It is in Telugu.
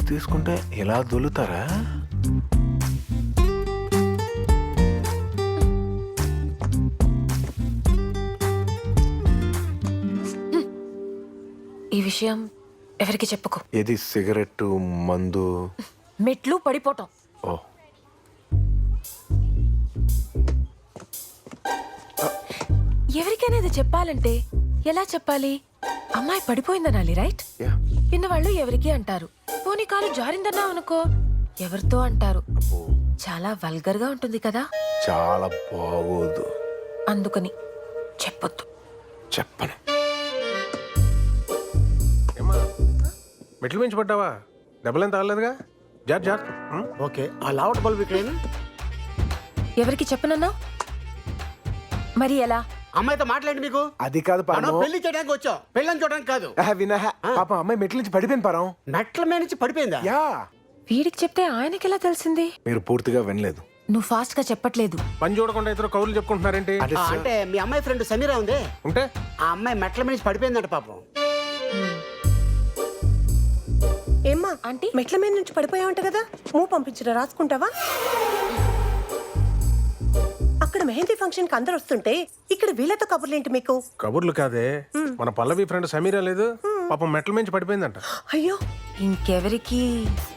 తీసుకుంటే ఇలా దొలుతారా? ఈ విషయం ఎవరికి చెప్పుకో. ఏది సిగరెట్ మందు? మెట్లు పడిపోవటం. ఓ ఎవరికైనా ఇది చెప్పాలంటే ఎలా చెప్పాలి? అమ్మాయి పడిపోయిందనాలి, రైట్? యా. విన్నవాళ్ళు ఎవరికి అంటారు. పోనీ కాలు జారిందన్నా అనుకో, ఎవరితో అంటారు. చాలా వల్గర్ గా ఉంటుంది కదా. చాలా బాగోదు. అందుకని చెప్పొద్దు. చెప్పను. ఏమ్మా మెట్లు మించి పడ్డావా? దెబ్బలేం తగలేదుగా? జాగ్రత్త. ఓకే, ఆ లావట్ బల్బ్ ఇక్కడేనా? ఎవరికి చెప్పనన్నా? మరి ఎలా? అమ్మాయితో మాట్లాడి మీకు అది కాదు మనం పాపం. పెళ్లి చేయడానికి వచ్చాం, పెళ్ళని చూడడానికి కాదు. వినహ పాపం అమ్మాయి మెట్ల నుంచి పడిపోయింది పారం. మెట్ల మీద నుంచి పడిపోయిందా? యా. వీడికి చెప్తే ఆయనకి ఎలా తెలిసింది? మీరు పూర్తిగా వినలేదు. నువ్వు ఫాస్ట్ గా చెప్పట్లేదు. పని చూడకుండా ఇద్దరు కౌరులు చెప్పుకుంటున్నారేంటి? అంటే మీ అమ్మాయి ఫ్రెండ్ సమీరా ఉంది, ఉంటే ఆ అమ్మాయి మెట్ల మీద నుంచి పడిపోయిందంట పాపం. ఏమ్మా ఆంటీ? మెట్ల మీద నుంచి పడిపోయావంట కదా, మూవ్ పంపించరా, రాసుకుంటావా? అక్కడ మెహందీ ఫంక్షన్ కి అందరు వస్తుంటే ఇక్కడ వీళ్ళతో కబుర్లేంటి మీకు? కబుర్లు కాదే, మన పల్లవి ఫ్రెండ్ సమీరా లేదు పాపం మెట్ల మించి పడిపోయిందంట. అయ్యో, ఇంకెవరికి